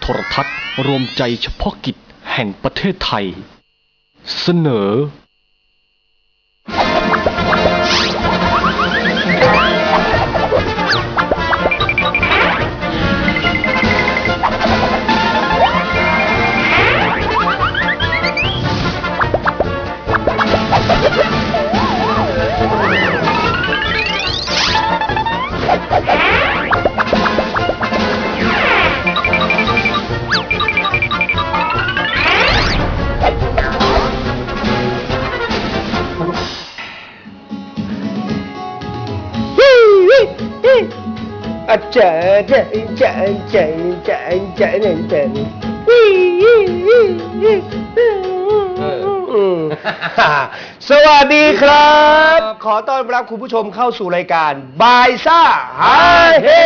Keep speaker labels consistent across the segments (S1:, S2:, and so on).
S1: รทัศน์รวมใจเฉพาะกิจแห่งประเทศไทยเสนอ
S2: สวัสดีครับขอต้อนรับคุณผู้ชมเข้าสู่รายการบายซ่าฮาเฮ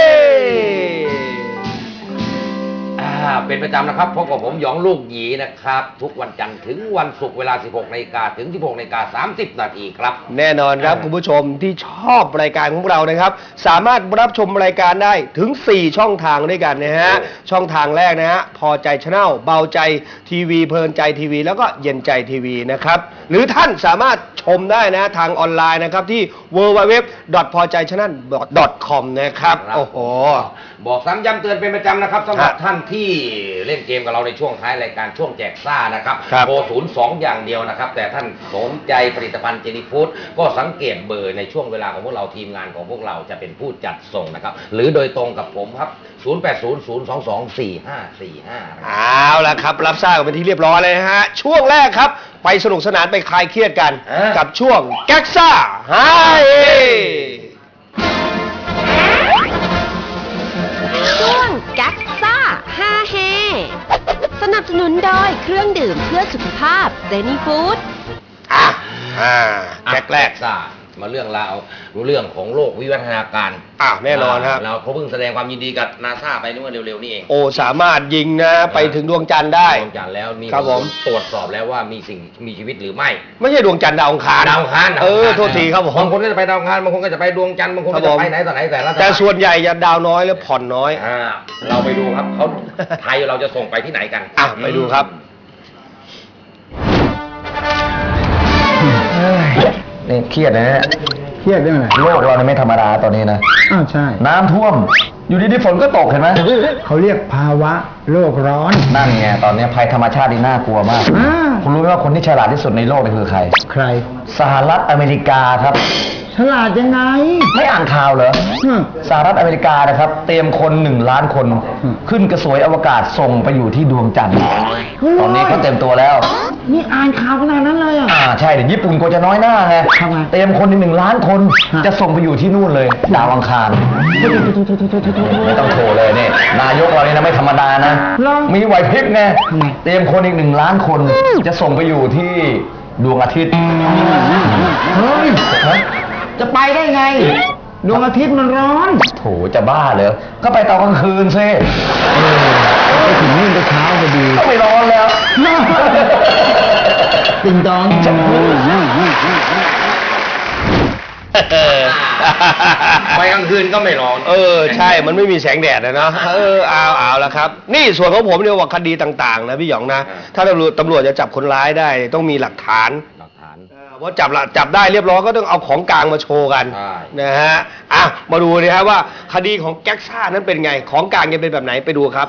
S3: เป็นประจำนะครับพบกับผมหยองลูกหยีนะครับทุกวันจันทร์ถึงวันศุกร์เวลา 16 นาฬิกาถึง 16 นาฬิกา 30 นาทีครับ
S2: แน่นอนครับคุณผู้ชมที่ชอบรายการของเรานะครับสามารถรับชมรายการได้ถึง4ช่องทางด้วยกันนะฮะช่องทางแรกนะฮะพอใจชาแนลเบาใจทีวีเพลินใจทีวีแล้วก็เย็นใจทีวีนะครับหรือท่านสามารถชมได้นะทางออนไลน์นะครับที่ www.pojaychannel.com นะครับโอ้โห
S3: บอกซ้ำย้ำเตือนเป็นประจำนะครับสำหรับท่านที่เล่นเกมกับเราในช่วงท้ายรายการช่วงแจกซ่านะครับโทร02อย่างเดียวนะครับแต่ท่านสนใจผลิตภัณฑ์เจนี่ฟู้ดก็สังเกตเบอร์ในช่วงเวลาของพวกเราทีมงานของพวกเราจะเป็นผู้จัดส่งนะครับหรือโดยตรงกับผมครับ0800224545
S2: เอาล่ะครับรับทราบกันเป็นที่เรียบร้อยเลยนะฮะช่วงแรกครับไปสนุกสนานไปคลายเครียดกันกับช่วงแก๊กซ่าฮาเฮ
S4: ช่วงแก๊กซ่าฮาเฮสนับสนุนโดยเครื่องดื่มเพื่อสุขภาพเจนี่ฟู้ด
S2: แก๊กแรก
S3: ซ่ามาเรื่องราวเรื่องของโลกวิวัฒนาการ
S2: แน่นอนครับ
S3: เราเขาเพิ่งแสดงความยินดีกับนาซาไปเมื่อเร็วๆนี่เอง
S2: โอ้สามารถยิงนะไปถึงดวงจันทร์ได้
S3: ดวงจันทร์แล้วมี
S2: ผม
S3: ตรวจสอบแล้วว่ามีสิ่งมีชีวิตหรือไม่
S2: ใช่ดวงจันทร์ดาวอังคารโทษทีครับผม
S3: บางคนก็จะไปดาวอังคารบางคนก็จะไปดวงจันทร์บางคนก็จะไปไหนต่อไหน
S2: แต่ส่วนใหญ่จะดาวน้อยและผ่อนน้อย
S3: เราไปดูครับเขาไทยเราจะส่งไปที่ไหนกัน
S2: ไปดูครับ
S3: นี่เครียดนะฮะ
S5: เครียดได้ไหม
S3: โลกเราเนี่ยไม่ธรรมดาตอนนี้นะ
S5: ใช่
S3: น้ำท่วมอยู่ดีๆฝนก็ตกเห็นไหม
S5: เขาเรียกภาวะโลกร้อน
S3: นั่นไงตอนนี้ภัยธรรมชาตินี่น่ากลัวมากคุณรู้ไหมว่าคนที่ฉลาดที่สุดในโลกนี่คือใครสหรัฐอเมริกาครับ
S5: ฉลาดยังไง
S3: ไม่อ่านข่าวเหรอสหรัฐอเมริกานะครับเตรียมคน1 ล้านคนขึ้นกระสวยอวกาศส่งไปอยู่ที่ดวงจันทร์ตอนนี้เขาเต็มตัวแล้ว
S5: นี่อ่านข่าวขนาดนั้นเลย
S3: ใช่เดี๋ยวญี่ปุ่นก็จะน้อยหน้าไงเตรียมคน1 ล้านคนจะส่งไปอยู่ที่นู่นเลยดาวอังคารไม่ต้องโทรเลยเนี่ยนายกเรานี่นะไม่ธรรมดานะมีไหวพริบไงเตรียมคนอีก1 ล้านคนจะส่งไปอยู่ที่ดวงอาทิตย์
S5: เฮ้ยจะไปได้ไงดวงอาทิตย์มันร้อน
S3: โถจะบ้าเหรอก็ไปตอนกลางคืนซิ
S5: ไปถึงนี่ไปเช้าพอดี
S3: ก็ไม่ร้อนแล้ว
S5: ติงตอง
S3: ไปกลางคืนก็ไม่ร้อน
S2: ใช่มันไม่มีแสงแดดนะเอาละครับนี่ส่วนของผมเนี่ยว่าคดีต่างๆนะพี่หยองนะถ้าตำรวจจะจับคนร้ายได้ต้องมีหลักฐานเพราะจับได้เรียบร้อยก็ต้องเอาของกลางมาโชว์กันนะฮะมาดูนะฮะว่าคดีของแก๊กซ่านั้นเป็นไงของกลางจะเป็นแบบไหนไปดูครับ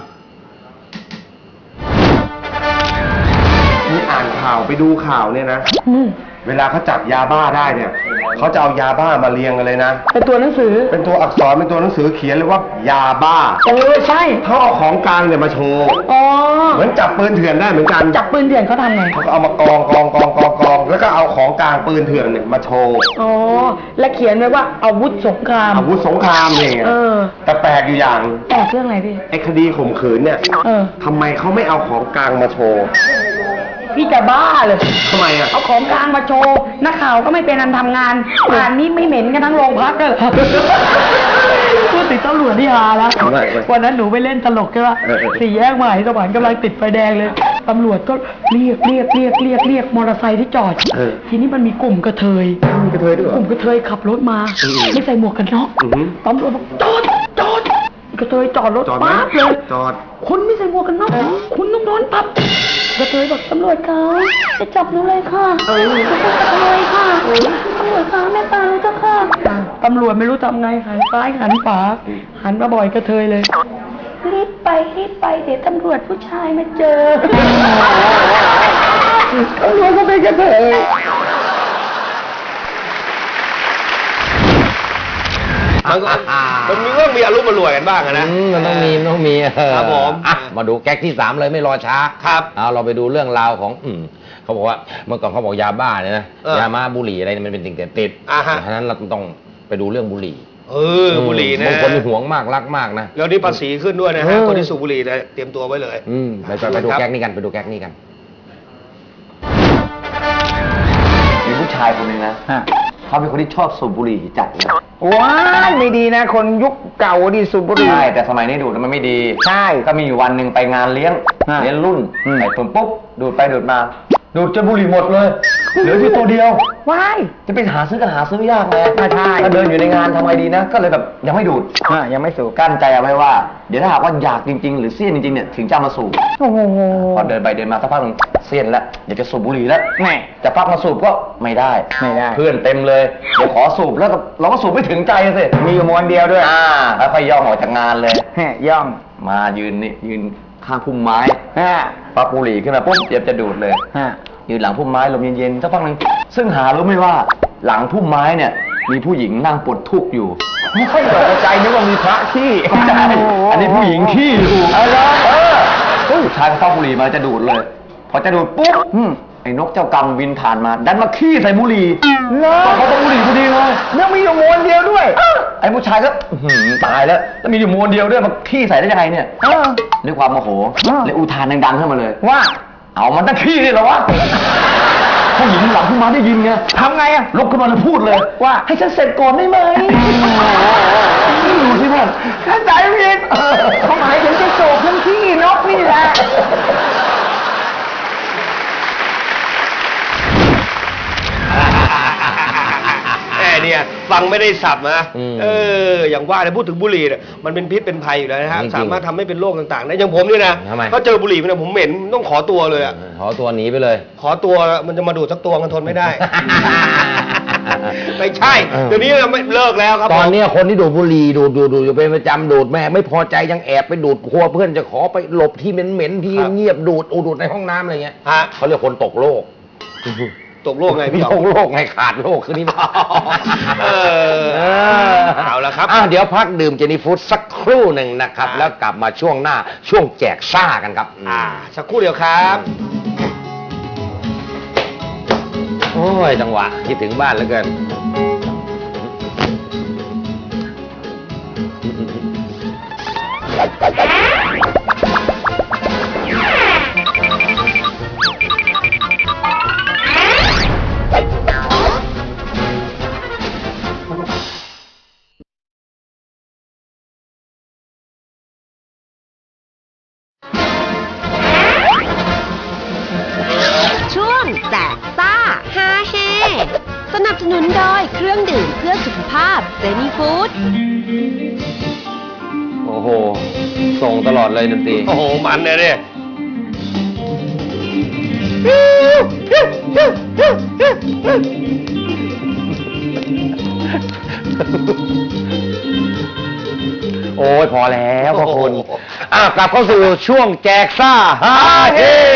S2: นี่อ่านข่าวไปดูข่าวเนี่ยนะเวลาเขาจับยาบ้าได้เนี่ยเขาจะเอายาบ้ามาเรียงกันเลยนะ
S5: เป็นตัวหนังสือ
S2: เป็นตัวอักษรเป็นตัวหนังสือเขียนเลยว่ายาบ้า
S5: ใช่
S2: เขาเอาของกลางเนี่ยมาโชว์เหมือนจับปืนเถื่อนได้เหมือนกัน
S5: จับปืนเถื่อนเขาทำไง
S2: เขาเอามากองแล้วก็เอาของกลางปืนเถื่อนเนี่ยมาโชว์
S5: และเขียนไว้ว่าอาวุธสงคราม
S2: เนี่ยแต่แปลกอยู่อย่าง
S5: แปลกเรื่องอะไรพี่
S2: ไอ้คดีข่มขืนเนี่ยทำไมเขาไม่เอาของกลางมาโชว์
S5: พี่จะบ้าเลย
S2: ทำไม
S5: เอาของกลางมาโชว์นักข่าวก็ไม่เป็นอันทำงานป่านนี้ไม่เหม็นกันทั้งโรงพักเลยพูดติดตำรวจที่หาแล้ววันนั้นหนูไปเล่นตลกใช่ป่ะ4 แยกมหาสวรรค์กำลังติดไฟแดงเลยตำรวจก็เรียกมอเตอร์ไซค์ที่จอดทีนี้มันมีกลุ่มกระเทยด้วยกลุ่มกระเทยขับรถมาไม่ใส่หมวกกันน็อกตำรวจบอกจอดกระเทยจอดรถ
S2: จอดไหม
S5: ปั๊บเลย
S2: จอด
S5: คุณไม่ใส่หมวกกันน็อกคุณต้องโดนปั๊บกระเทยบอกตำรวจคะจะจับหนูเลยค่ะจะจับเลยค่ะตำรวจคะแม่ตารู้เจ้าค่ะตำรวจไม่รู้ทำไงหันซ้ายหันขวาหันมาบ่อยกระเทยเลยรีบไปเดี๋ยวตำรวจผู้ชายมาเจอตำรวจก็เป็นกระเทย
S2: มันต้องมีอารมณ์มารวยกันบ้างอะนะ
S3: มันต้องมี
S2: ครับผม
S3: อ่ะมาดูแก๊กที่3เลยไม่รอช้า
S2: ครับ
S3: เอาเราไปดูเรื่องราวของเขาบอกว่าเมื่อก่อนเขาบอกยาบ้าเนี่ยนะ
S2: เออย
S3: ามาบุหรี่อะไรเนี่ยมันเป็นสิ่งเสพติด
S2: ฮะ
S3: เพราะฉะนั้นเราต้องไปดูเรื่องบุหรี่
S2: บุหรี่นะ
S3: บางคนหวงมากรักมากนะ
S2: แล้วนี่ภาษีขึ้นด้วยนะฮะคนที่สูบบุหรี่นะเตรียมตัวไว้เลย
S3: ไปดูแก๊กนี้กัน
S6: มีผู้ชายคนหนึ่งนะเขาเป็นคนที่ชอบสูบบุหรี่จัดเลย
S7: ว้ายไม่ดีนะ คนยุคเก่าดิสูบบุหรี่
S6: ใช่แต่สมัยนี้ดูดมันไม่ดี
S7: ใช่
S6: ก็มีอยู่วันหนึ่งไปงานเลี้ยงรุ่นไปปุ๊บดูดไปดูดมา ดูดจนบุหรี่หมดเลยเหลือที่ตัวเดียว
S7: ว้าย
S6: จะไปหาซื้อก็หาซื้อยากเลย
S7: ใช่
S6: ถ้าเดินอยู่ในงานทำไงดีนะ ก็เลยแบบยังไม่ดูด
S7: ยังไม่สูบ
S6: กั้นใจเอาไว้ว่า เดี๋ยวถ้าหากว่าอยากจริงๆ หรือเสี้ยนจริงๆเนี่ยถึงจะมาสูบ
S7: โอ้โห
S6: พอเดินไปเดินมาสักพักหนึ่งเสี้ยนแล้วอยากจะสูบบุหรี่แล้ว
S7: แม่
S6: จะพักมาสูบก็ไม่ได้
S7: ไม่ได้
S6: เพื่อนเต็มเลยเดี๋ยวขอสูบแล้วก็เราก็สูบไม่ถึงใจสิ
S7: มีอยู่มวนเดียวด้วย
S6: แล้วค่อยย่องออกจากงานเลย
S7: ย่อง
S6: มายืนข้างพุ่มไม้
S7: ฮะ
S6: ปักบุหรี่ขึ้นมาปุ๊บเตรียมจะดูดเลย
S7: ฮะ
S6: ยืนหลังพุ่มไม้ลมเย็นๆสักพักหนึ่งซึ่งหารู้ไหมว่าหลังพุ่มไม้เนี่ยมีผู้หญิงนั่งปลดทุกข์อยู่
S7: ไม่ค่อยตกใจนึกว่ามีพระขี้
S6: ใช่อันนี้ผู้หญิงขี้อยู่ผู้ชายก็เข้าบุหรี่มาจะดูดเลย พอจะดูดปุ๊บไอ้นกเจ้ากรรมบินผ่านมา ดันมาขี้ใส่บุหรี่ตอนเขาต้องบุหรี่พอดีเลย
S7: ยังมีอยู่มวนเดียวด้วย
S6: ไอ้ผู้ชายก็ตายแล้วมีอยู่มวนเดียวด้วยมาขี้ใส่ได้ยังไงเนี่ยด้วยความโมโหเลยอุทานดังๆขึ้นมาเลย
S7: ว่า
S6: เอามันตั้งขี้เลยเหรอวะผู้หญิงหลังพุ่มไม้ได้ยินไง
S7: ทำไงอะ
S6: ลุกขึ้นมาแล้วพูดเลย
S7: ว่า
S6: ให้ฉันเสร็จก่อนได้ไหมดูสิเพื่อน
S7: เข้าใจผิดเขาหมายถึงจะสูบทั้งขี้นกนี่แหละ
S2: เนี่ยฟังไม่ได้สับนะอย่างว่าเนี่ยพูดถึงบุหรี่เนี่ยมันเป็นพิษเป็นภัยอยู่แล้วนะฮะ
S3: จริงๆ
S2: สามารถทำให้เป็นโรคต่างๆได้อย่างผมเนี่ยนะ
S3: ทำไม
S2: ก็เจอบุหรี่เนี่ยผมเหม็นต้องขอตัวเลยอะ
S3: ขอตัวหนีไปเลย
S2: ขอตัวมันจะมาดูดสักตัวมันทนไม่ได้ ไม่ใช่เดี๋ยวนี้ไม่เลิกแล้วครับ
S3: ตอนเนี้ยคนที่ดูดบุหรี่ดูดอยู่เป็นประจำดูดแม่ไม่พอใจยังแอบไปดูดครัวเพื่อนจะขอไปหลบที่เหม็นๆที่เงียบดูดในห้องน้ำอะไรเงี้ย
S2: ฮะ
S3: เขาเรียกคนตกโลก
S2: ตกโลกไงพี่หย
S3: ต
S2: อง
S3: กโลกไงขาดโลกคือนี่
S2: เอาละครับ
S3: เดี๋ยวพักดื่มเจนี่ฟู้ดสักครู่หนึ่งนะครับ แล้วกลับมาช่วงหน้าช่วงแจกซ่ากันครับ
S2: สักครู่เดียวครับ
S3: โอ้ยจังหวะคิดถึงบ้านเหลือเกิน
S4: ช่วงแจกซ่าฮาเฮสนับสนุนโดยเครื่องดื่มเพื่อสุขภาพเซนีฟู้ด
S3: โอ้โห ส่งตลอดเลยดนตรี
S2: โอ้โหมันเนี่ย
S3: โอ้ยพอแล้วพ่อคุณกลับเข้าสู่ช่วงแจกซ่าฮาเฮ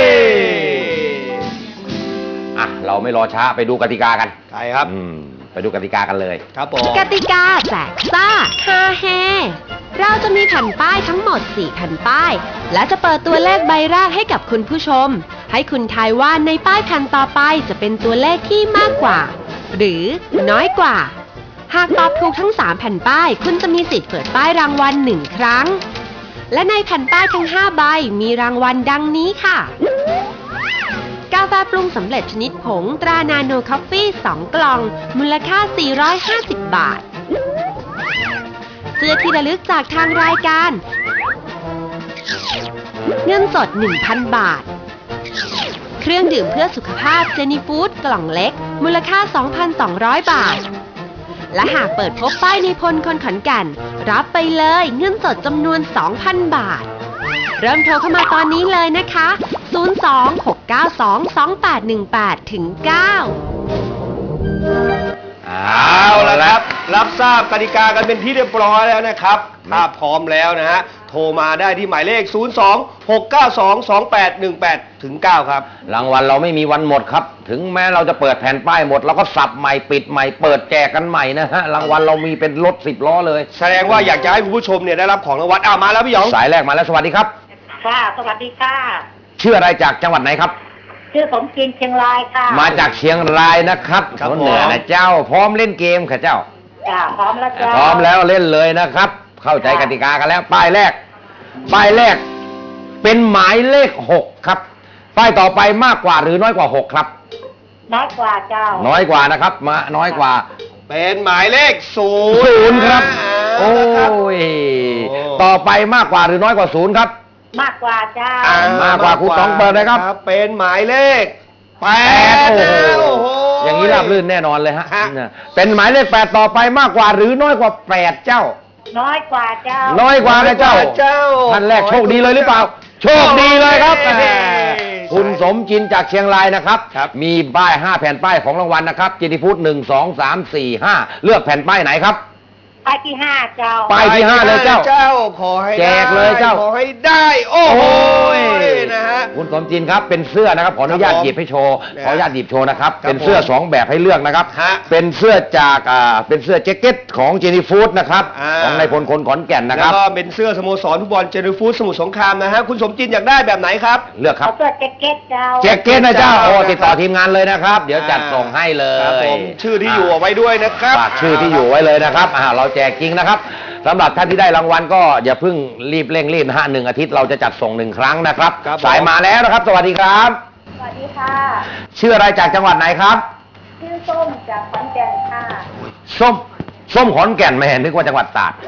S3: เราไม่รอช้าไปดูกติกากัน
S2: ใช่ครับ
S3: ไปดูกติกากันเลย
S2: ครับผม
S4: กติกาแจกซ่าฮาเฮเราจะมีแผ่นป้ายทั้งหมด 4 แผ่นป้าย และจะเปิดตัวเลขใบแรกให้กับคุณผู้ชม ให้คุณทายว่าในป้ายแผ่นต่อไปจะเป็นตัวเลขที่มากกว่า หรือน้อยกว่า หากตอบถูกทั้ง 3 แผ่นป้าย คุณจะมีสิทธิ์เปิดป้ายรางวัล1 ครั้ง และในแผ่นป้ายทั้ง 5 ใบมีรางวัลดังนี้ค่ะ กาแฟปรุงสำเร็จชนิดผงตรานาโนคอฟฟี่2 กล่อง มูลค่า 450 บาท เสื้อที่ระลึกจากทางรายการ เงินสด 1,000 บาท เครื่องดื่มเพื่อสุขภาพเจนี่ฟู้ดกล่องเล็ก มูลค่า 2,200 บาทและหากเปิดพบป้ายในพลคนขอนแก่นรับไปเลยเงินสดจำนวน 2,000 บาท เริ่มโทรเข้ามาตอนนี้เลยนะคะ 026922818ถึง 9
S2: เอาละครับ รับทราบกติกากันเป็นที่เรียบร้อยแล้วนะครับถ้าพร้อมแล้วนะฮะ โทรมาได้ที่หมายเลข 026922818ถึง 9 ครับ
S3: รางวัลเราไม่มีวันหมดครับ ถึงแม้เราจะเปิดแผ่นป้ายหมดเราก็สับใหม่ปิดใหม่เปิดแจกกันใหม่นะฮะรางวัลเรามีเป็นรถ10 ล้อเลย
S2: แสดงว่าอยากจะให้คุณผู้ชมเนี่ยได้รับของรางวัลมาแล้วพี่หยอง
S3: สายแรกมาแล้วสวัสดีครับ
S8: ค่ะ สวัสดีค่ะ
S3: ชื่ออะไรจากจังหวัดไหนครับ
S8: ชื่อสมจินเชียงรายค่ะ
S3: มาจากเชียงรายนะครับ
S2: ครับ
S3: คนเหนือนะเจ้าพร้อมเล่นเกมค่ะเจ้า
S8: จ้าพร้อมแล้วจ้า
S3: พร้อมแล้วเล่นเลยนะครับ เข้าใจกติกากันแล้ว ป้ายแรกเป็นหมายเลข6ครับป้ายต่อไปมากกว่าหรือน้อยกว่า6ครับ
S8: น้อยกว่าเจ้า
S3: น้อยกว่านะครับมาน้อยกว่า
S2: เป็นหมายเลข
S3: 0ครับ โอ้
S2: ครับ
S3: ยต่อไปมากกว่าหรือน้อยกว่า0ครับ
S8: มากกว่าเจ้า
S3: มากกว่าครูต๋องเปิดเลยครับ
S2: เป็นหมายเลข
S3: 8
S2: 8
S3: โอ้โหอย่างนี้ราบรื่นแน่นอนเลยฮะเป็นหมายเลข8ต่อไปมากกว่าหรือน้อยกว่า8เจ้า
S8: น้อยกว่าเจ้า
S3: น้อยกว่านะเจ้า
S2: เจ้า
S3: ท่านแรกโชคดีเลยหรือเปล่า โชคดีเลยครับ
S2: โอ้ย
S3: แหมคุณสมจินจากเชียงรายนะครับ
S2: ครับ
S3: มีป้าย5แผ่นป้ายของรางวัลนะครับเจนิฟูด1 2 3 4 5เลือกแผ่นป้ายไหนครับ
S8: ป้ายที่5เจ้า
S3: ป้ายที่5เลยเจ้า
S2: ขอให้
S3: แจกเลยเจ้า
S2: ขอให้ได้ โอ้โหนะฮะ
S3: คุณสมจินครับเป็นเสื้อนะครับขออนุญาต
S2: ครับผม
S3: หยิบให้โชว์
S2: นะฮะ
S3: ขออนุญาตหยิบโชว์นะครับ
S2: ครับ
S3: เป็นเสื้อ
S2: ผม
S3: 2 แบบให้เลือกนะครับ
S2: ฮะ
S3: เป็นเสื้อจากเป็นเสื้อแจ็คเก็ตของเจนิฟูดนะครับ
S2: อ่า
S3: ของนายพลคนขอนแก่นนะค
S2: แล้
S3: รั
S2: ว
S3: บ
S2: ก็เป็นเสื้อสโมสรฟุตบอลเจนิฟูดสมุทรสงครามนะฮะคุณสมจินอยากได้แบบไหนครับ
S3: เลือกค
S8: เขา
S3: รับ
S8: เสื้อแจ็คเก็ตเจ้า
S3: แจ็คเก็ตนะเจ้าโอ้
S2: นะครับ
S3: ติดต่อทีมงานเลยนะครับ เดี๋ยวจัดส่งให้เล
S2: ครับผ
S3: ย
S2: มชื่อที่อยู่เอาไว้ด้วยนะครับ
S3: ฝากชื่อที่อยู่ไว้เลยนะครับเราแจกจริงนะครับสำหรับท่านที่ได้รางวัลก็อย่าเพิ่งรีบเร่งรีบนะฮะ1 อาทิตย์เราจะจัดส่ง1 ครั้งนะครับ
S2: ครับผม
S3: สายมาแล้วนะครับ สวัสดีครับ
S8: สวัสดีค่ะ
S3: ชื่ออะไรจากจังหวัดไหนครับ
S8: ชื่อส้มจากขอนแก่นค่ะ
S3: ส้มขอนแก่นไม่เห็นนึกว่าจังหวัดตราด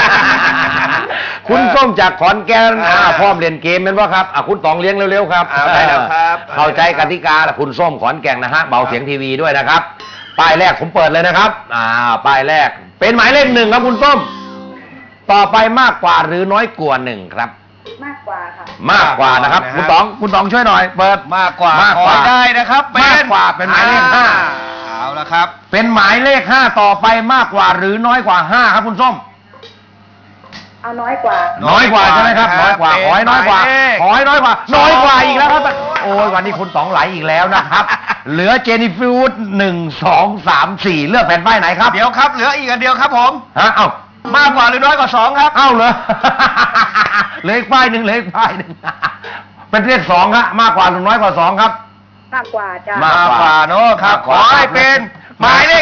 S3: คุณส้มจากขอนแก่นพร้อมเล่นเกมเป็นว่าครับคุณต๋องเลี้ยงเร็วๆครับ
S2: ได้แล้วครับ
S3: เข้าใจกติกาแล้วคุณส้มขอนแก่นนะฮะเบาเสียงทีวีด้วยนะครับป้ายแรกผมเปิดเลยนะครับป้ายแรกเป็นหมายเลข1ครับคุณส้มต่อไปมากกว่าหรือน้อยกว่า1ครับ
S8: มากกว่าค่ะ
S3: มากกว่านะครับ
S2: นะฮะ
S3: คุณต๋องช่วยหน่อย เปิด
S2: มากกว่าม
S3: ากกว่า
S2: ขอได้นะครับ
S3: มากกว่าเป็นหมายเลขห้า
S2: เอาละครับ
S3: เป็นหมายเลข5ต่อไปมากกว่าหรือน้อยกว่า5ครับคุณส้ม
S8: เอาน้อยกว่า
S3: น้อยกว่าใช่ไหมครับ น้อยกว่าขอให้น้อยกว่าขอให้น้อยกว่า น้อยกว่าอีกแล้วครับโอ้ยวันนี้คุณต๋องไหลอีกแล้วนะครับ เหลือเจนิฟูด1 2 3 4เลือกแผ่นป้ายไหนครับ
S2: เดี๋ยวครับเหลืออีกอันเดียวครับผม
S3: ฮะเอ้าม
S2: ากกว่าหรือน้อยกว่า2ครับ
S3: เอ้าเหรอ เหลืออีกป้ายหนึ่งเหลืออีกป้ายหนึ่ง เป็นเลข2ครับมากกว่าหรือน้อยกว่า2ครับ
S8: มากกว่าเจ้า
S3: มากกว่า
S2: เนอะครับ
S3: มากก
S2: ข
S3: ว่า
S2: อให้เป็นหมายเลข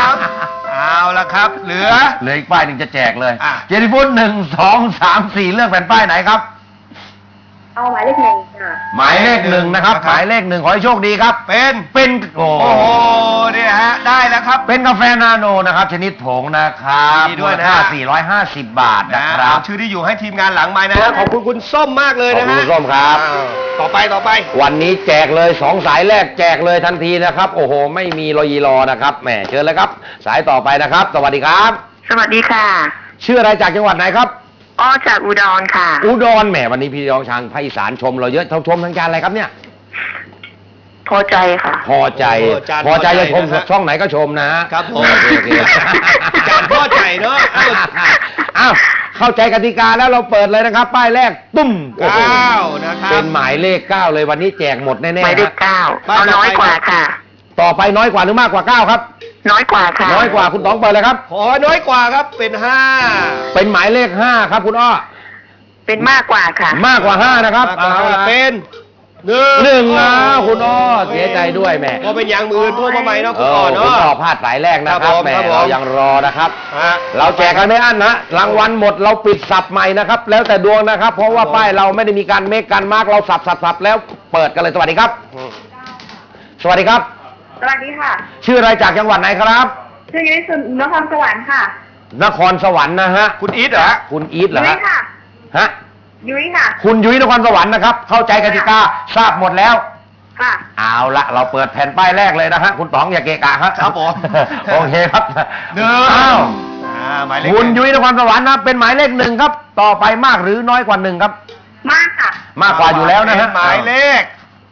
S2: 3เอาละครับ เหลือ
S3: เหลืออีกป้ายหนึ่งจะแจกเลย
S2: อ่ะ
S3: เจนิฟูด1 2 3 4เลือกแผ่นป้ายไหนครับ
S8: เอาหมายเลข1ค่ะ
S3: หมายเลข1นะครับ หมายเลข1ขอให้โชคดีครับ เป็นโอ้
S2: โอ้โหเนี่ยฮะได้แล้วครับ
S3: เป็นกาแฟนาโนนะครับ ชนิดผงนะครับ
S2: ดีด้วยนะ
S3: มูลค่า450 บาทนะครับ
S2: เอาชื่อที่อยู่ให้ทีมงานหลังไม้นะฮะขอบคุณคุณส้มมากเลย
S3: ขอบ
S2: นะ
S3: คุณ
S2: ฮะ
S3: คุณส้มครับ
S2: ต่อไป
S3: วันนี้แจกเลย2สายแรกแจกเลยทันทีนะครับ โอ้โห ไม่มีรอยีรอนะครับแหมเชิญเลยครับ สายต่อไปนะครับ สวัสดีครับ
S9: สวัสดีค่ะ
S3: ชื่ออะไรจากจังหวัดไหนครับ
S9: อ้อจากอุดรค่ะ
S3: อุดรแหมวันนี้พี่น้องชางภาคอีสานชมเราเยอะชมทางการอะไรครับเนี่ย
S9: พอใจค่ะ
S3: พอใจ
S2: โอ้จาน
S3: พอใจ
S2: พอใจ
S3: จะชม
S2: นะฮะ
S3: ช่องไหนก็ชมนะฮะ
S2: ครับผม
S3: โอเค
S2: จานพอใจเนอะ
S3: อ้าวเข้าใจกติกาแล้วเราเปิดเลยนะครับ ป้ายแรกตุ้มโอ้โห
S2: 9นะครับ
S3: เป็นหมายเลข9เลยวันนี้แจกหมดแน่ๆ
S9: หมายเลข
S3: ฮะ
S9: 9เอาน้อยกว่าค่ะ
S3: ต่อไปน้อยกว่าหรือมากกว่า9ครับ
S9: น้อยกว่าค่ะ
S3: น้อยกว่าคุณต๋องเปิดเลยครับ
S2: ขอน้อยกว่าครับเป็น5
S3: เป็นหมายเลข5ครับคุณอ้อ
S9: เป็นมากกว่าค่ะ
S3: มากกว่า5นะครับ
S2: มากกว่า
S3: เอาละ
S2: เป็น
S3: 1
S2: 1
S3: นะคุณอ้อเสียใจด้วยแหม่
S2: ก็เป็นอย่างมือโทรมาใหม่เนาะ
S3: เอ
S2: คุณ
S3: อ
S2: อ่อน
S3: คุณ
S2: เนาะ
S3: อ้อพลาดสายแรกนะค
S2: ครั
S3: รับบ
S2: ผม
S3: แหม่
S2: ครับผม
S3: เรายังรอนะครับ
S2: ฮะ
S3: เราแจกกันไม่อั้นนะรางวัลหมดเราปิดสับใหม่นะครับ แล้วแต่ดวงนะครับ เพราะว่าป้ายเราไม่ได้มีการเมคการมาร์กเราสับแล้วเปิดกันเลยสวัสดีครับ สวัสดีครับ
S8: สวัสดีค่ะ
S3: ชื่ออะไรจากจังหวัดไหนครับ
S8: ชื่อยุ้ยสุนครสวรรค์ค่ะ
S3: นครสวรรค์นะฮะ
S2: คุณอีทเหรอฮะ
S3: คุณอีทเหรอ
S8: ยุ้
S3: ฮะ
S8: ยค่ะ
S3: ฮะ
S8: ยุ้ยค่ะ
S3: คุณยุ้ยนครสวรรค์นะครับ เข้าใจกติกาทราบหมดแล้ว
S8: ค่ะ
S3: เอาละเราเปิดแผ่นป้ายแรกเลยนะฮะคุณต๋องอย่าเกะกะครับ
S2: ครับผม
S3: โอเคครับ
S2: หนึ่ง
S3: อ้าว
S2: หมายเลข
S3: คุณยุ้ยนครสวรรค์นะเป็นหมายเลขหนึ่งครับ ต่อไปมากหรือน้อยกว่าหนึ่งครับ
S8: มากค่ะ
S3: มากกว่าอยู่แล้วนะฮะ
S2: หมายเลข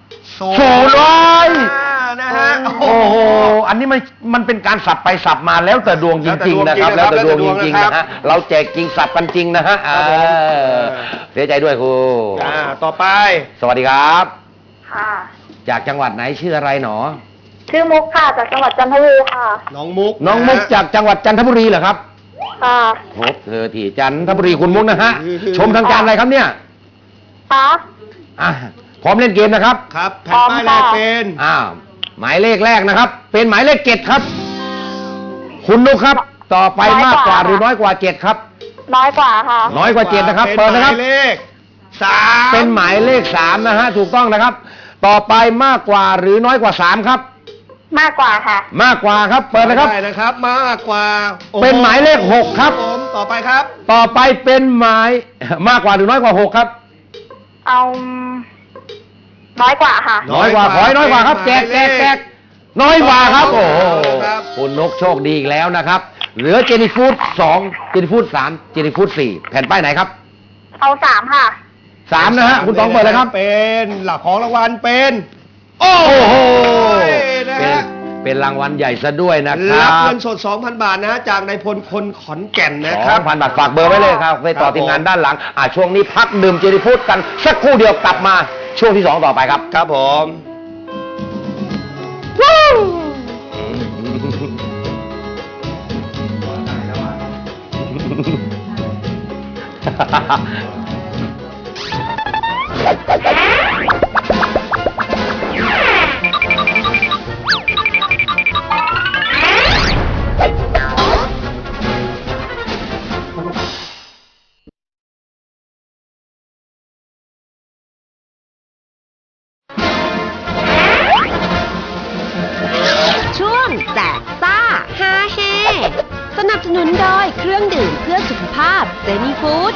S3: 0
S2: นะฮะ
S3: โอ้โหอันนี้มันเป็นการสับไปสับมาแล้วแต่ดวงจริงๆนะครับ แล้วแต่ดวงจริงๆนะฮะเราแจกจริงสับกันจริงนะฮะเสียใจด้วยครู
S2: ต่อไป
S3: สวัสดีครับ
S8: ค่ะ
S3: จากจังหวัดไหนชื่ออะไรหนอ
S8: ชื่อมุกค่ะ จากจังหวัดจันทบุรีค่ะ
S2: น้องมุก
S3: น้องมุกจากจังหวัดจันทบุรีเหรอครับ
S8: ค่ะ
S3: พบเธอที่จันทบุรีคุณมุกนะฮะชมทางการอะไรครับเนี่ย
S8: ค่ะ
S3: อ่ะพร้อมเล่นเกมนะครับ
S2: ครับแผ่นป้ายแรกเป็น
S3: อ้าวหมายเลขแรกนะครับ เป็นหมายเลขเจ็ดครับ คุณนุกครับ ต่อไปมากกว่าหรือน้อยกว่าเจ็ดครับ
S8: น้อยกว่าค่ะ
S3: น้อยกว่าเจ็ดนะครับเปิดนะครับ
S2: หมายเลขสาม
S3: เป็นหมายเลขสามนะฮะถูกต้องนะครับ ต่อไปมากกว่าหรือน้อยกว่าสามครับ
S8: มากกว่าค่ะ
S3: มากกว่าครับ เปิดนะครับ
S2: ได้นะครับ มากกว่าโอ้โ
S3: เป็นหมายเลขหกครับ
S2: ผมต่อไปครับ
S3: ต่อไปเป็นหมายมากกว่าหรือน้อยกว่าหกครับ
S8: เอาน้อยกว่าค่ะ
S3: น้อยกว่าขอให้น้อยกว่าครับแจกน้อยกว่าครับ โอ้โห
S2: ครับ
S3: คุณนกโชคดีอีกแล้วนะครับ เหลือเจนี่ฟูด2เจนี่ฟูด3เจนี่ฟูด4แผ่นป้ายไหนครับ
S8: เอา3ค่ะ
S3: 3นะฮะคุณต๋องเปิดเลยครับ
S2: เป็นหลักของรางวัลเป็น
S3: โอ้โห
S2: นะ
S3: เป็น
S2: ฮะ
S3: เป็นรางวัลใหญ่ซะด้วยนะค
S2: รั
S3: รั
S2: บบ เงินสด 2,000 บาทนะฮะจากนายพลคนขอนแก่นนะครับ
S3: 2,000 บาทฝากเบอร์ไว้เลยครับไปต่อทีมงานด้านหลังช่วงนี้พักดื่มเจนี่ฟูดกันสักครู่เดียวกลับมาช่วงที่2ต่อไปครับ
S2: ครับผม
S4: ช่วงแจกซ่าฮาเฮสนับสนุนโดยเครื่องดื่มเพื่อสุขภาพเจนี่ฟู้ด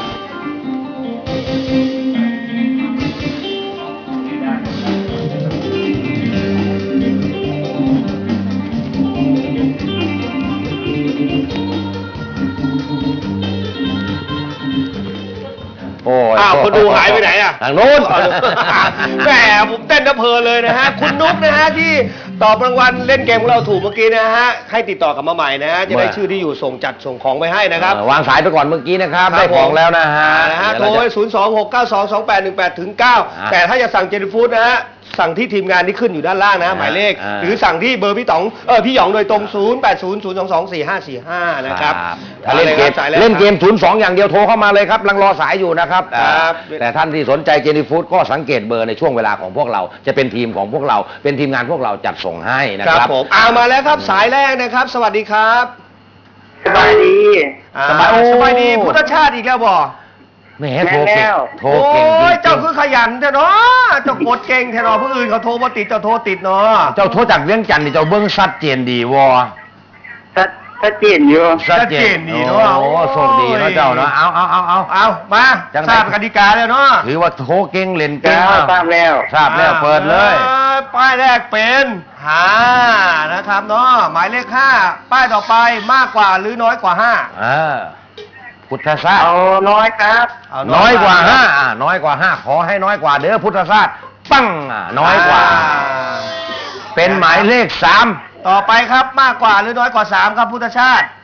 S3: โอ้ย
S2: อ้าวคนดูหายไปไหนอ่ะ
S3: ทางโน้น
S2: แหมผมเต้นเพลินเลยนะฮะ คุณนุ๊กนะฮะที่ตอบรางวัลเล่นเกมของเราถูกเมื่อกี้นะฮะ ให้ติดต่อกลับมาใหม่นะฮะ จะได้ชื่อที่อยู่ส่งของไปให้นะครับ
S3: วางสายไปก่อนเมื่อกี้นะครับ
S2: ครับ
S3: ได้ของแล้วนะฮะ
S2: โทรไป026922818ถึง9แต่ถ้าจะสั่งเจนฟู้ดนะฮะ สั่งที่ทีมงานที่ขึ้นอยู่ด้านล่างนะ หมายเลข หรือสั่งที่เบอร์พี่ต๋องพี่หยองโดยตรง 0800224545 นะครับ
S3: ถ้าเล่นเกม
S2: สายแรก
S3: เล่นเกม 02 อย่างเดียวโทรเข้ามาเลยครับรังรอสายอยู่นะครับ
S2: ครับ
S3: แต่ท่านที่สนใจเจนี่ฟู้ดก็สังเกตเบอร์ในช่วงเวลาของพวกเรา จะเป็นทีมของพวกเรา เป็นทีมงานพวกเราจัดส่งให้นะ
S2: ค
S3: ค
S2: รั
S3: รั
S2: บบ ผมมาแล้วครับสายแรกนะครับ สวัสดีครับ
S9: สบายดี
S2: สบายดีพุทธชาติอีกแล้วบ่
S3: แหมโทรเก่งโทรเก่ง
S2: โอ้ย
S3: จริ
S2: เจ้าง คือขยันแท้เนาะเจ้ากดเก่งแท้เนาะผู้อื่นเขาโทรมาติดเจ้าโทรติดเนาะ
S3: ๆเจ้าโทรจากเวียงจันทร์นี่เจ้าเบิ้งชัดเจนดีวอ
S9: ชัดเจนอยู่
S2: ชัดเจนดีเนาะ
S3: โอ้โชคดีเนาะเจ้าเนาะเอา
S2: มา
S3: จังไหน
S2: ทราบกติกาแล้วเนาะ
S3: ถือว่าโทรเก่งเล่น
S9: แก้
S3: เก่ง
S9: วทราบแล้ว
S3: ทราบแล้วเปิดเลย
S2: ป้ายแรกเป็น5นะครับเนาะหมายเลข5ป้ายต่อไปมากกว่าหรือน้อยกว่า
S3: พุทธศาสตร์
S9: เอาน้อยครับ
S2: 5
S3: น้อยกว่า5น้อยกว่า5ขอให้น้อยกว่าเด้อพุทธศาสตร์ปั้งน้อยกว่า เป็นหมายเลข3
S2: ต่อไปครับมากกว่าหรือน้อยกว่า3ครับพุทธชาติ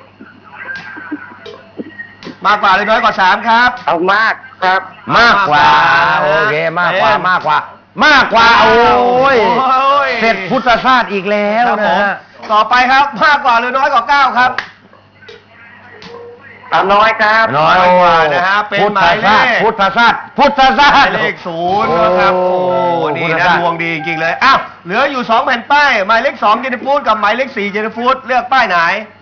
S2: มากกว่าหรือน้อยกว่า3ครับ
S9: เอามากครับ
S3: มากกว่าโอเคมากกว่ามากกว่าโอ้ยเสร็จพุทธศาสตร์อีกแล้ว
S2: ครับผ
S3: นะ
S2: ม
S3: ฮะ
S2: ต่อไปครับมากกว่าหรือน้อยกว่า9ครับ
S9: เอาน้อยครับ
S3: น้อย
S2: กว่านะฮะเป็นหมายเลข
S3: พุทธศาสตร์
S2: หมายเลข0นะครับโอ้นี่
S3: พุทธ
S2: นะ
S3: ศาสตร์
S2: ดวงดีจริงๆเลยอ้าวเหลืออยู่2แผ่นป้ายหมายเลข2เจนฟูดกับหมายเลข4เจนฟูดเลือกป้ายไหน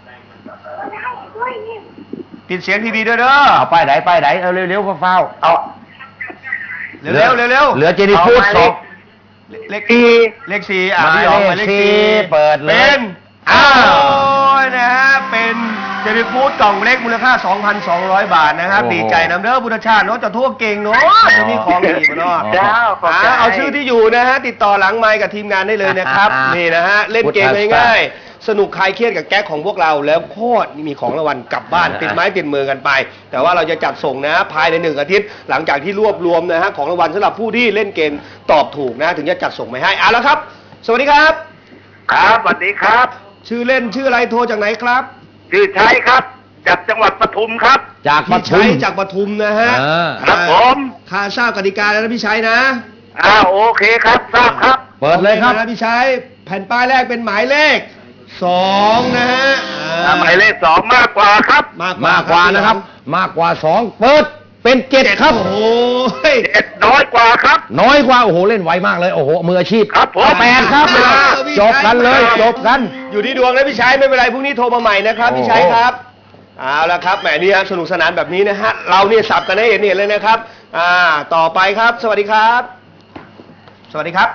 S2: ปิดเสียงทีวีด้วยเด้อ
S3: เอาป้ายไหนเอาเร็วๆเฝ้า
S9: เอา
S2: เร็วๆเร็วๆ
S3: เหลือเจนี่ฟูดสอง
S2: เลข
S9: สี่
S2: เลข4
S3: หมายเลข
S2: พี่หยองหมายเลข
S3: สี่
S2: 4
S3: เปิดเลย
S2: เป็น
S3: อ้าว
S2: โอ้ยนะฮะเป็นจนิฟูดกล่องเล็กมูลค่า 2,200 บาทนะครับดีใจนำเด้อบุญชาติเนาะจะทั่วเก่งเนาะจะมีของดีมาเนาะเอาชื่อที่อยู่นะฮะติดต่อหลังไมค์กับทีมงานได้เลยนะครับนี่นะฮะเล่นเกมง่ายๆสนุกคลายเครียดกับแก๊กของพวกเราแล้วโคตรมีของรางวัลกลับบ้านติดไม้ติดมือกันไปแต่ว่าเราจะจัดส่งนะภายใน1 อาทิตย์หลังจากที่รวบรวมนะฮะของรางวัลสำหรับผู้ที่เล่นเกมตอบถูกนะถึงจะจัดส่งไปให้เอาละครับสวัสดีครับ
S9: ครับสวัสดีครับ
S2: ชื่อเล่นชื่ออะไรโทรจากไหนครับ
S9: ชื่อชัยครับจากจังหวัดปทุมครับ
S6: จากป
S2: พี่
S6: ทุ
S2: ชัย
S6: ม
S2: จากปทุมนะฮะ
S9: ครับผม
S2: ค่าทราบกติกาแล้วนะพี่ชัยนะ
S9: โอเคครับทราบครับ
S6: เปิดเลยครับ
S2: นะพี่ชัยแผ่นป้ายแรกเป็นหมายเลข2นะฮะ
S9: หมายเลข2มากกว่าครับ
S6: มากกว่านะครับ มากกว่า2เปิดเป็น7ครับ
S2: โอ้โห
S9: น้อยกว่าครับ
S6: น้อยกว่าโอ้โหเล่นไวมากเลยโอ้โหมืออาชีพ
S9: ครับผม
S6: 8ครับจบกันเลยจบกัน
S2: อยู่ที่ดวงนะพี่ชัยไม่เป็นไรพรุ่งนี้โทรมาใหม่นะครับพี่ชัยครับเอาละครับแหมนี่ฮะสนุกสนานแบบนี้นะฮะเราเนี่ยสับกันให้เห็นเลยนะครับต่อไปครับสวัสดีครับ สวัสดีครับ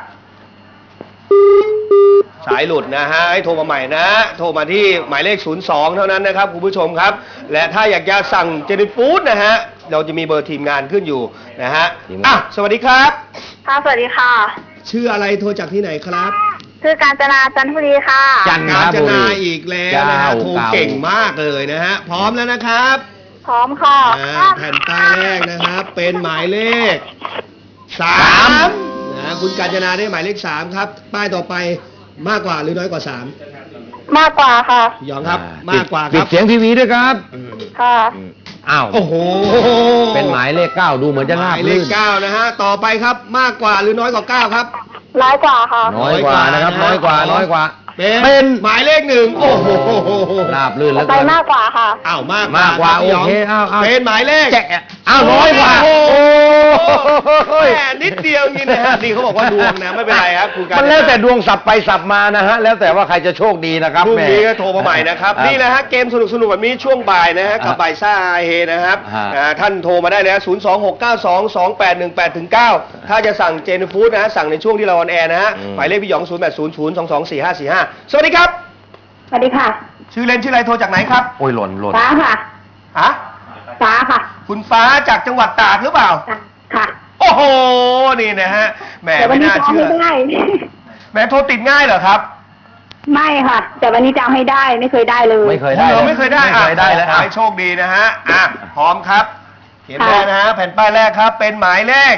S2: สายหลุดนะฮะให้โทรมาใหม่นะโทรมาที่หมายเลข02เท่านั้นนะครับคุณผู้ชมครับและถ้าอยากจะสั่งเจนิฟูดนะฮะเราจะมีเบอร์ทีมงานขึ้นอยู่นะฮะสวัสดีครับ
S8: ค่ะสวัสดีค่ะ
S2: ชื่ออะไรโทรจากที่ไหนครับ
S8: ชื่อกาญจนาจันทบุรีค่ะ
S2: กาญจนาอีกแล้วนะฮะโทรเก่งมากเลยนะฮะพร้อมแล้วนะครับ
S8: พร้อมค่ะ
S2: แผ่นป้ายแรกนะครับเป็นหมายเลข3นะคุณกาญจนาได้หมายเลข3ครับป้ายต่อไปมากกว่าหรือน้อยกว่า3
S8: มากกว่าค่ะ
S2: ยองครับมากกว่าครับ
S6: ปิดเสียงทีวีด้วยครับ
S8: ค่ะ
S6: อ้าว
S2: โอ้โห
S6: เป็นหมายเลข9ดูเหมือนจะราบลื่น
S2: หมายเลข9นะฮะต่อไปครับมากกว่าหรือน้อยกว่า9ครับ
S8: น้อยกว่าค่ะ
S6: น้อยกว่านะครับน้อยกว่า
S2: เป็นหมายเลข1โอ้โห
S6: ราบลื่นแล้ว
S8: ไปมากกว่าค่ะ
S2: อ้าวมาก
S6: กว่าโอเคอ้าว
S2: เป็นหมายเลข
S6: น้อยกว่า
S2: แหมนิดเดียวนี่นะฮะนี่เขาบอกว่าดวงนะไม่เป็นไรครับคุณการ
S6: มันแล้วแต่ดวงสับไปสับมานะฮะแล้วแต่ว่าใครจะโชคดีนะครับ
S2: พรุ่งนี้ก็โทรมาใหม่นะครับนี่นะฮะเกมสนุกแบบนี้ช่วงบ่ายนะฮะกับบ่ายซ่าเฮนะครับท่านโทรมาได้เลย026922818-9ถ้าจะสั่งเจนฟู้ดนะฮะสั่งในช่วงที่เราออนแอร์นะฮะหมายเลขพี่หยอง0800224545สวัสดีครับ
S8: สวัสดีค่ะ
S2: ชื่อเล่นชื่ออะไรโทรจากไหนครับ
S6: โอ้ยหล่น
S8: ฟ้าค่ะฟ้าค่ะ
S2: คุณฟ้าจากจังหวัดตากหรือเปล่า
S8: ค่ะ
S2: โอ้โหนี่นะฮะแหมไม่น่าเชื่อแหมโทรติดง่ายเหรอครับ
S8: ไม่ค่ะแต่วันนี้จำให้ได้ไม่เคยได้เลย
S6: ไม่เคยได้
S2: แล้วขอให้โชคดีนะฮะพร้อมครับเขียนได้นะฮะแผ่นป้ายแรกครับเป็นหมายเลข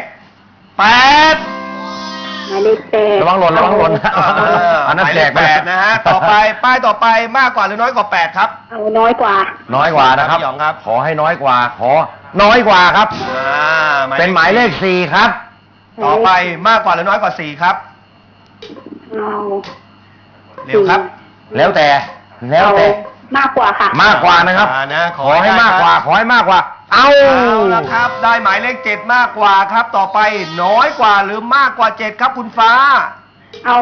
S2: 8
S8: หมายเลข8
S6: ระวังหล่นอันนั้นแจก
S2: 8นะฮะต่อไปป้ายต่อไปมากกว่าหรือน้อยกว่า8ครับ
S8: เอาน้อยกว่า
S6: นะครับขอให้น้อยกว่าขอน้อยกว่าครับเป็นหมายเลข4ครับ
S2: ต่อไปมากกว่าหรือน้อยกว่า4ครับเร็วครับ
S6: แล้วแต่
S8: มากกว่าค่ะ
S6: มากกว่านะครับขอให้มากกว่าเอา
S2: ละครับได้หมายเลข7มากกว่าครับต่อไปน้อยกว่าหรือมากกว่า7ครับคุณฟ้า
S8: เอา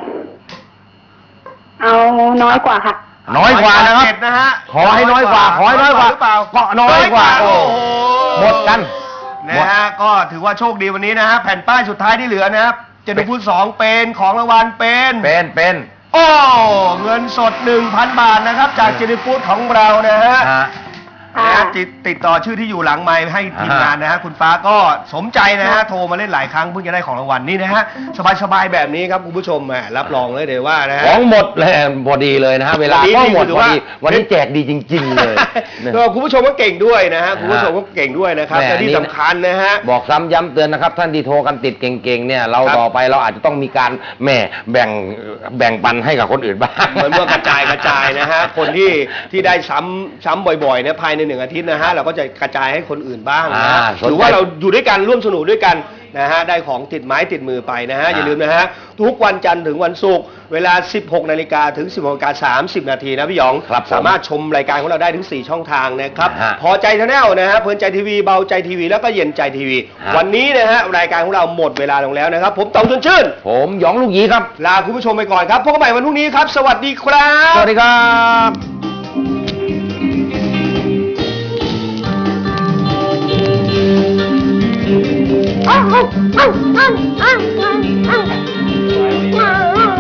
S8: น้อยกว่าค่ะ
S6: น้อยกว่านะครับ
S2: 7นะฮะ
S6: ขอให้น้อยกว่าหรือเปล่าก็น้อยกว่าโอ้โหหมดกัน
S2: นะฮะก็ถือว่าโชคดีวันนี้นะฮะแผ่นป้ายสุดท้ายที่เหลือนะครับเจนฟูด2เป็นของรางวัลเป็นโอ้เงินสด 1,000 บาทนะครับจากเจนฟูดของเรานะฮะติดต่อชื่อที่อยู่หลังไมค์ให้ทีมงานนะฮะคุณฟ้าก็สมใจนะฮะโทรมาเล่นหลายครั้งเพิ่งจะได้ของรางวัลนี่นะฮะสบายแบบนี้ครับคุณผู้ชมรับรองเลยเดี๋ยวว่านะฮะ
S6: ของหมดเลยพอดีเลยนะฮะเวลาก็หมดพอดีวันนี้แจกดีจริงๆเลย
S2: คุณผู้ชมก็เก่งด้วยนะฮะคุณผู้ชมก็เก่งด้วยนะครับและที่สำคัญนะฮะ
S6: บอกซ้ำย้ำเตือนนะครับท่านที่โทรกันติดเก่งๆเนี่ยเราต่อไปเราอาจจะต้องมีการแบ่งปันให้กับคนอื่นบ้าง
S2: เหมือนว่ากระจายนะฮะคนที่ได้ซ้ำบ่อยๆเนี่ยภายใน1 อาทิตย์นะฮะเราก็จะกระจายให้คนอื่นบ้างนะหรือว่าเราอยู่ด้วยกันร่วมสนุกด้วยกันนะฮะได้ของติดไม้ติดมือไปนะฮะอย่าลืมนะฮะทุกวันจันทร์ถึงวันศุกร์เวลา 16 นาฬิกาถึง 16:30 นาทีนะพี่หยองสามารถชมรายการของเราได้ถึง4 ช่องทางนะครับพอใจชาแนลนะฮะเพลินใจทีวีเบาใจทีวีแล้วก็เย็นใจทีวีวันนี้นะฮะรายการของเราหมดเวลาลงแล้วนะครับผมต๋องชวนชื่น
S6: ผมหยองลูกหยีครับ
S2: ลาคุณผู้ชมไปก่อนครับพบกันใหม่วันพรุ่งนี้ครับสวัสดีครับ
S6: สวัสดีครับ
S8: อ้าว